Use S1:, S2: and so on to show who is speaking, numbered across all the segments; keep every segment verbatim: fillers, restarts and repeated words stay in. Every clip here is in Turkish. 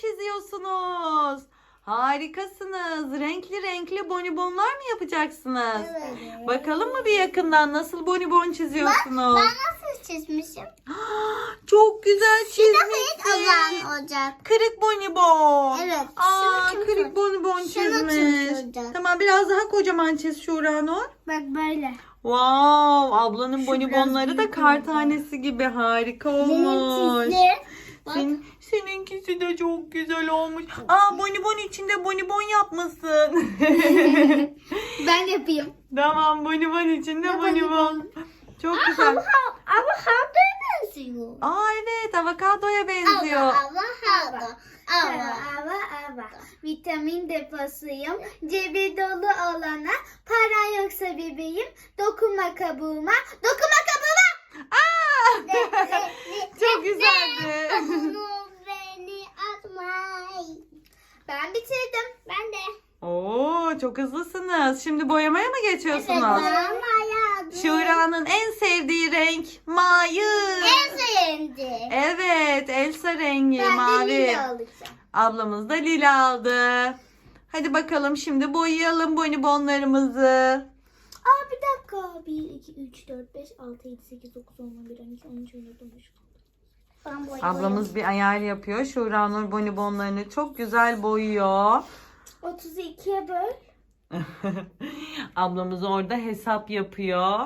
S1: çiziyorsunuz. Harikasınız. Renkli renkli bonibonlar mı yapacaksınız?
S2: Evet.
S1: Bakalım mı bir yakından nasıl bonibon çiziyorsunuz?
S2: Ben nasıl çizmişim?
S1: Çok güzel
S2: Şurada hiç
S1: çizmişsin.
S2: olan olacak.
S1: Kırık bonibon.
S2: Evet.
S1: Aa,
S2: şunu
S1: kırık
S2: çiz-
S1: bonibon
S2: şunu
S1: çizmiş.
S2: çizeceğim.
S1: Tamam, biraz daha kocaman çiz Şura Nur.
S2: Bak böyle.
S1: Wow, ablanın
S2: Şu
S1: bonibonları
S2: biraz
S1: da
S2: büyük
S1: kar
S2: oldu.
S1: tanesi gibi harika
S2: Benim
S1: olmuş.
S2: çizdi. Bak.
S1: Senin, seninkisi de çok güzel olmuş. Aa, bonibon içinde bonibon yapmasın.
S2: Ben yapayım.
S1: Tamam, bonibon içinde
S2: Ne
S1: bonibon.
S2: bonibon?
S1: Çok güzel.
S2: Ama avokadoya benziyor.
S1: Aa, evet, avokadoya benziyor.
S2: Avokado. Ava, ava, ava. Vitamin deposuyum. Cebi dolu olana. Para yoksa bebeğim. Dokunma kabuğuma. Dokunma kabuğuma.
S1: Aa! Çok güzeldi.
S2: Bunu beni atmayın. Ben bitirdim. Ben de.
S1: Oo, çok hızlısınız. Şimdi boyamaya mı geçiyorsunuz?
S2: Boyamaya.
S1: Şura'nın en sevdiği renk mavi.
S2: En sevdi.
S1: Evet, Elsa rengi
S2: Ben de
S1: mavi.
S2: lila alacağım.
S1: Ablamız da lila aldı. Hadi bakalım şimdi boyayalım bonibonlarımızı.
S2: Aa bir dakika. bir, iki, üç, dört, beş, altı, yedi, sekiz, dokuz, on, on bir, on iki, on üç, on dört, on beş. Ben boyayayım.
S1: Ablamız bir ayar yapıyor. Şura Nur bonibonlarını çok güzel boyuyor.
S2: otuz ikiye böl.
S1: Ablamız orada hesap yapıyor.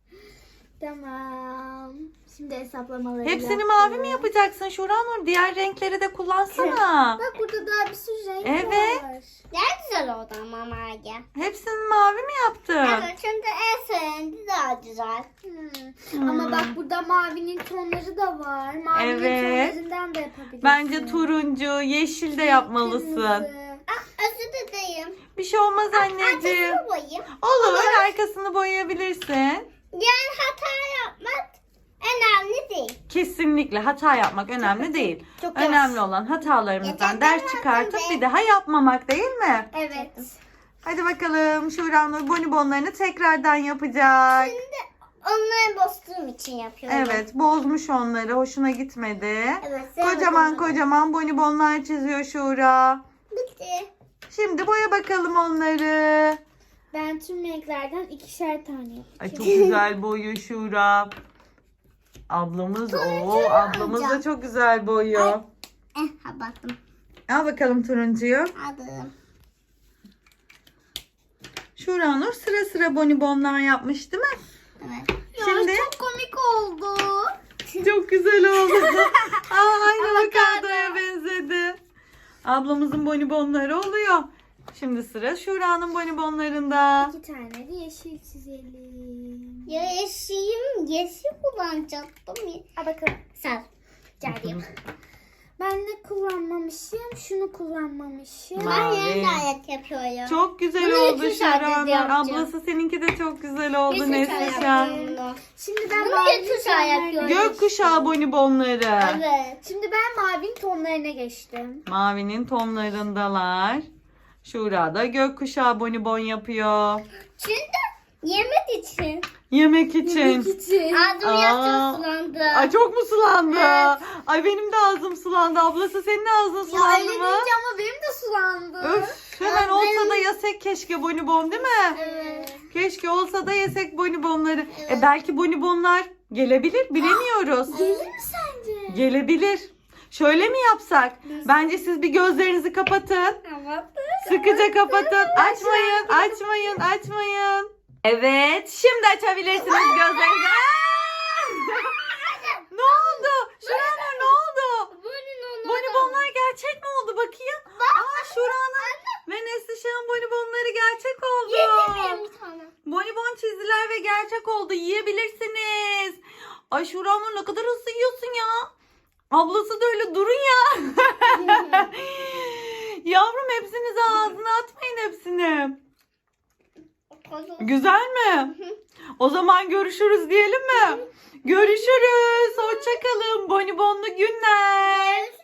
S2: Tamam. Şimdi hesaplamaları
S1: Hepsini
S2: yaptım.
S1: mavi mi yapacaksın Şura Nur? Diğer renkleri de kullansana.
S2: Bak burada daha bir sürü renk
S1: Evet.
S2: var. Ne güzel oldu ama mavi.
S1: Hepsini mavi mi yaptın?
S2: Evet çünkü en sevdiği daha güzel.
S1: Hmm.
S2: Ama bak burada mavinin tonları da var. Mavinin
S1: Evet.
S2: tonlarından da yapabilirsin.
S1: Bence turuncu, yeşil de yapmalısın.
S2: Kırmızı. Ah, özür dilerim.
S1: Bir şey olmaz anneciğim.
S2: Arkasını boyayayım.
S1: Olur, arkasını boyayabilirsin.
S2: Yani hata yapmak önemli değil.
S1: Kesinlikle hata yapmak önemli değil.
S2: Çok
S1: Önemli olan hatalarımızdan
S2: Geçen
S1: ders
S2: ben
S1: çıkartıp
S2: yaptım
S1: bir daha yapmamak, değil mi?
S2: Evet.
S1: Hadi bakalım, Şura Nur bonibonlarını tekrardan yapacak.
S2: Şimdi onları bozduğum için yapıyorum.
S1: Evet, bozmuş onları, hoşuna gitmedi.
S2: Evet.
S1: Kocaman kocaman bonibonlar çiziyor Şura.
S2: Bitti.
S1: Şimdi boya bakalım onları.
S2: Ben tüm renklerden ikişer tane yapacağım.
S1: Ay, çok güzel boyuyor Şura. Ablamız o, ablamız da çok güzel boyuyor.
S2: Eh, ha baktım.
S1: Al bakalım turuncuyu.
S2: Aldım.
S1: Şura Nur sıra sıra bonibonlar yapmış, değil mi?
S2: Evet.
S1: Şimdi-
S2: Ya, çok komik oldu.
S1: Çok güzel oldu. Aa, aynı
S2: Avokado.
S1: avokadoya benzedi. Ablamızın bonibonları oluyor. Şimdi sıra Şura'nın bonibonlarında.
S2: İki tane de yeşil çizelim. Ya yeşilim, yeşil kullanacaktım. Ha bakalım. Sar. Geldim. Ben ne kullanmamışım? Şunu kullanmamışım.
S1: Mavi.
S2: Ben yeniden ayak yapıyorum.
S1: Çok güzel
S2: Bunu
S1: oldu
S2: iki tane
S1: Şura Nur.
S2: yapacağım.
S1: Ablası seninki de çok güzel oldu
S2: Yeşil
S1: Neslihan.
S2: yapıyorum. Şimdi ben mavi yapıyorum.
S1: Gökkuşağı bonibonları.
S2: Evet. Şimdi ben mavinin tonlarına geçtim.
S1: Mavinin tonlarındalar. Şura da gökkuşağı bonibon yapıyor.
S2: Çünkü yemek için.
S1: Yemek için.
S2: için. Ağzım
S1: Aa.
S2: biraz sulandı.
S1: Ay, çok mu sulandı?
S2: Evet.
S1: Ay, benim de ağzım sulandı. Ablası senin ağzın
S2: Ya
S1: sulandı
S2: öyle
S1: mı?
S2: deyince ama benim de sulandı.
S1: Öf, hemen
S2: Ya
S1: olsa
S2: benim-
S1: da yesek keşke bonibon, değil mi?
S2: Evet.
S1: Keşke olsa da yesek bonibonları.
S2: Evet.
S1: E belki bonibonlar gelebilir, bilemiyoruz.
S2: Gelir mi sence?
S1: Gelebilir. Şöyle mi yapsak? Bence siz bir gözlerinizi kapatın.
S2: Tamam.
S1: Sıkıca kapatın. Açmayın, açmayın, açmayın. Evet, şimdi açabilirsiniz gözlerinizi. Aa! Ne oldu? Şuranur, ne oldu? Bonibonlar gerçek mi oldu? Bakayım. Aa, Şura'nın ve Neslişah'ın bonibonları gerçek oldu.
S2: bir tane.
S1: Bonibon çizdiler ve gerçek oldu. Yiyebilirsiniz. Ay Şuranur, ne kadar hızlı yiyorsun ya. Ablası da öyle, durun ya. Yavrum, hepsinizi ağzına atmayın hepsini. Güzel mi? O zaman görüşürüz diyelim mi? Görüşürüz. Hoşça kalın. Bonibonlu günler.